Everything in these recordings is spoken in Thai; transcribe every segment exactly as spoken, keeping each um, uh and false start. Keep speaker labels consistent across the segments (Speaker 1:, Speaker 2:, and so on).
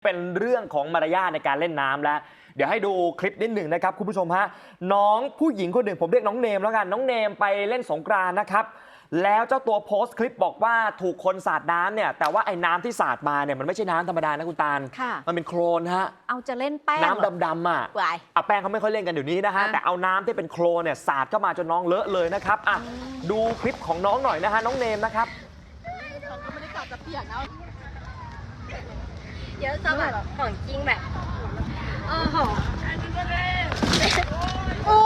Speaker 1: เป็นเรื่องของมารยาทในการเล่นน้ำแล้วเดี๋ยวให้ดูคลิปนิดหนึ่งนะครับคุณผู้ชมฮะน้องผู้หญิงคนหนึ่งผมเรียกน้องเนมแล้วกันน้องเนมไปเล่นสงกรานต์นะครับแล้วเจ้าตัวโพสต์คลิปบอกว่าถูกคนสาดน้ำเนี่ยแต่ว่าไอ้น้ำที่สาดมาเนี่ยมันไม่ใช่น้ำธรรมดานะคุณตาลมันเป็นโคลนฮะ
Speaker 2: เอาจะเล่นแป้ง
Speaker 1: น้ำดำๆอ่ะอ่ะแป้งเขาไม่ค่อยเล่นกันเดี๋ยวนี้นะฮะแต่เอาน้ำที่เป็นโคลนเนี่ยสาดเข้ามาจนน้องเลอะเลยนะครับอ่ะดูคลิปของน้องหน่อยนะฮะน้องเนมนะครับ
Speaker 3: เขาก็ไม่ได้กลับจะเปียกนะ
Speaker 4: เยอะซะแบบของจริงแบบโอ้โห
Speaker 3: โอ้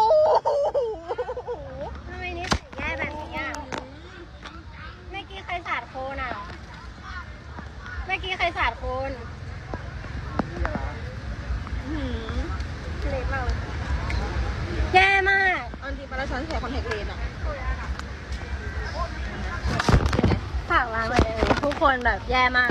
Speaker 4: ทำไมนี่แย่แบบนี้อ่ะเมื่อกี้ใครสาดโคลนอ่ะเมื่อกี้ใครสาดโคลนเละมากเลยแย่มาก
Speaker 3: อันที่มาแล้วฉันเสียคอนแทคเลนส์อ่ะ
Speaker 4: ฝากล้างเลยทุกคนแบบแย่มาก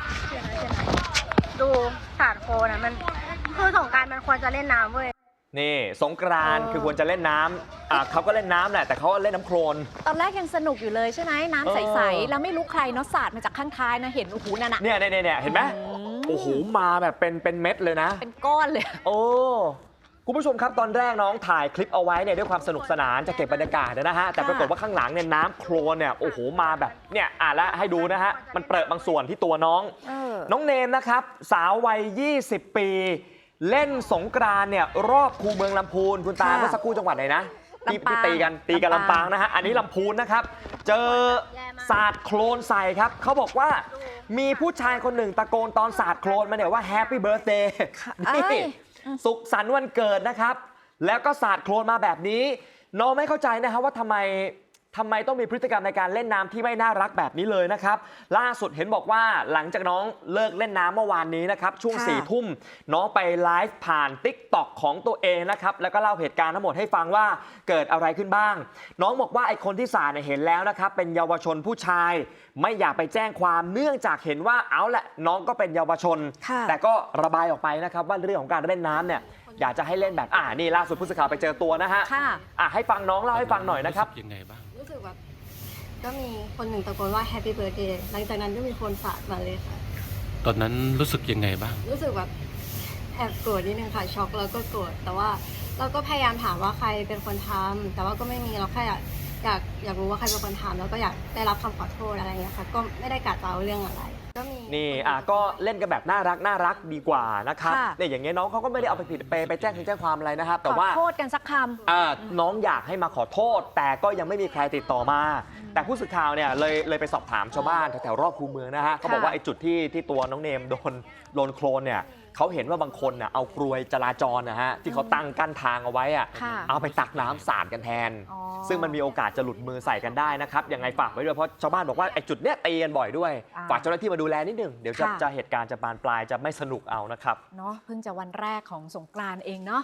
Speaker 4: ดูสาดโคลนอ่ะมันคือสงกรานต์มันควรจะเล่นน้ำเว้ย
Speaker 1: นี่สงกรานต์คือควรจะเล่นน้ำอ่ะเขาก็เล่นน้ำแหละแต่เขาเล่นน้ำโคลน
Speaker 2: ตอนแรกยังสนุกอยู่เลยใช่ไหมน้ำใสๆแล้วไม่รู้ใครเนาะสาดมาจากข้างท้ายนะเห็นโอ้โหนั่นน่ะ
Speaker 1: เนี่ยเนี่ยเนี่ยเห็นไหมโอ้โหมาแบบเป็นเป็นเม็ดเลยนะ
Speaker 2: เป็นก้อนเลย
Speaker 1: โอ้คุณผู้ชมครับตอนแรกน้องถ่ายคลิปเอาไว้เนี่ยด้วยความสนุกสนานจะเก็บบรรยากาศนะฮะแต่ปรากฏว่าข้างหลังเนี่ยน้ำโคลนเนี่ยโอ้โหมาแบบเนี่ยอ่ะแล้วให้ดูนะฮะมันเปรอะบางส่วนที่ตัวน้องน้องเนมนะครับสาววัยยี่สิบปีเล่นสงกรานต์เนี่ยรอบคูเมืองลำพูนคุณตาเมื่อสักครู่จังหวัดไหนนะที่ตีกันตีกันลำปางนะฮะอันนี้ลำพูนนะครับเจอสาดโคลนใส่ครับเขาบอกว่ามีผู้ชายคนหนึ่งตะโกนตอนสาดโคลนมาเนี่ยว่าแฮปปี้เบิร์ธเดย์นี่สุขสันต์วันเกิดนะครับแล้วก็สาดโคลนมาแบบนี้น้องไม่เข้าใจนะครับว่าทำไมทำไมต้องมีพฤติกรรมในการเล่นน้ำที่ไม่น่ารักแบบนี้เลยนะครับล่าสุดเห็นบอกว่าหลังจากน้องเลิกเล่นน้ำเมื่อวานนี้นะครับช่วงสี่ทุ่มน้องไปไลฟ์ผ่าน ติ๊กต็อก ของตัวเองนะครับแล้วก็เล่าเหตุการณ์ทั้งหมดให้ฟังว่าเกิดอะไรขึ้นบ้างน้องบอกว่าไอ้คนที่สาดเนี่ยเห็นแล้วนะครับเป็นเยาวชนผู้ชายไม่อยากไปแจ้งความเนื่องจากเห็นว่าเอาแหละน้องก็เป็นเยาวชนแต่ก็ระบายออกไปนะครับว่าเรื่องของการเล่นน้ำเนี่ยอยากจะให้เล่นแบบอ่านี่ล่าสุดผู้สื่อข่าวไปเจอตัวนะฮะอ่ะให้ฟังน้องเล่าให้ฟังหน่อยนะครับ
Speaker 5: ยังไงบ้าง
Speaker 3: รู้สึกแบบก็มีคนหนึ่งตะโกนว่า Happy Birthday หลังจากนั้นก็มีคนสาดมาเลยค่ะ
Speaker 5: ตอนนั้นรู้สึกยังไงบ้าง
Speaker 3: รู้สึกแบบแอบโกรธนิดนึงค่ะช็อกแล้วก็โกรธแต่ว่าเราก็พยายามถามว่าใครเป็นคนทำแต่ว่าก็ไม่มีเราแค่อยากอยากอยากรู้ว่าใครเป็นคนทำแล้วก็อยากได้รับคำขอโทษอะไรอย่างเงี้ยค่ะก็ไม่ได้กะจะเอาเรื่องอะไรก็มี
Speaker 1: นี่อ่ะก็เล่นกันแบบน่ารักน่ารักดีกว่านะครับเนี่ยอย่างเงี้ยน้องเขาก็ไม่ได้เอาไปผิดไปไปแจ้งแจ้งความอะไรนะครับแต่ว่า
Speaker 2: ขอโทษกันสักคำ
Speaker 1: อ่าน้องอยากให้มาขอโทษแต่ก็ยังไม่มีใครติดต่อมาแต่ผู้สื่อข่าวเนี่ยเลยเลยไปสอบถามชาวบ้านแถวๆรอบคูเมืองนะฮะเขาบอกว่าไอ้จุดที่ที่ตัวน้องเนมโดนโดนโคลนเนี่ยเขาเห็นว่าบางคนน่ะเอากลวยจราจรนะฮะที่เขาตั้งกั้นทางเอาไว้อะเอาไปตักน้ำสาดกันแทนซึ่งมันมีโอกาสจะหลุดมือใส่กันได้นะครับยังไงฝากไว้ด้วยเพราะชาวบ้านบอกว่าไอ้จุดเนี้ยตีกันบ่อยด้วยฝากเจ้าหน้าที่มาดูแลนิดนึงเดี๋ยวจะจะเหตุการณ์จะบานปลายจะไม่สนุกเอานะครับ
Speaker 2: เนาะเพิ่งจะวันแรกของสงกรานต์เองเนาะ